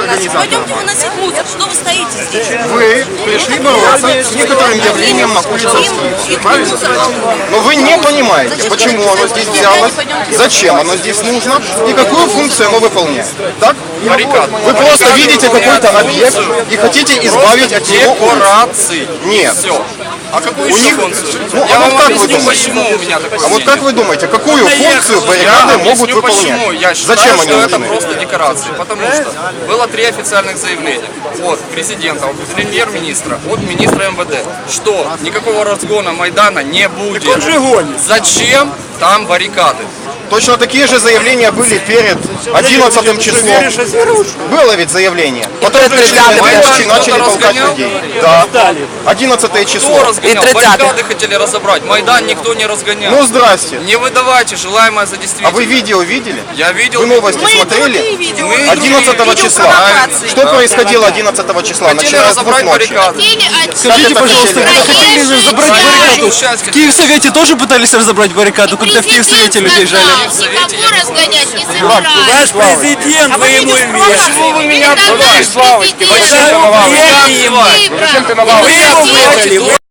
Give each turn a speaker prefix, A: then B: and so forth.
A: Пойдемте выносить мусор. Что вы стоите здесь?
B: Вы пришли бороться с некоторым явлением на Кутузовской, правильно? Но вы не понимаете, почему оно здесь взялось, зачем оно здесь нужно и какую функцию оно выполняет. Так? Вы просто видите какой-то объект и хотите избавить от него
C: декорации.
B: Нет.
C: Все. А какую
B: У
C: еще
B: них...
C: функцию?
B: Ну,
C: Я
B: а
C: вам
B: вот как вы
C: объясню,
B: думаете?
C: почему у меня такое
B: А вот как вы думаете, какую функцию баррикады могут
C: объясню, почему.
B: выполнять?
C: Я считаю,
B: Зачем они
C: что это
B: нужны?
C: просто декорации. Потому что было 3 официальных заявления от президента, от премьер-министра, от министра МВД, что никакого разгона Майдана не будет. Зачем там баррикады?
B: Точно такие же заявления были перед 11 числом. Было ведь заявление. Потом рабочие начали толкать людей. Да. 11 число.
C: Кто разгонял? Баррикады хотели разобрать. Майдан никто не разгонял.
B: Ну здрасте.
C: Не выдавайте желаемое за
B: А
C: действительное.
B: вы видео видели?
C: Я видел.
B: Вы новости смотрели? 11 числа. Что происходило 11 числа?
C: Хотели
B: Начиная с 2
C: разобрать
B: ночи.
C: баррикады.
D: Скажите, пожалуйста, вы хотели разобрать баррикаду? В Киевсовете тоже пытались разобрать баррикаду, когда в Киевсовете людей жали?
A: Никого разгонять не собираюсь.
E: Ваш президент, вы ему
A: Почему вы меня
E: Зачем ты на лавочке?
A: Вы его
E: Вы его выбрали.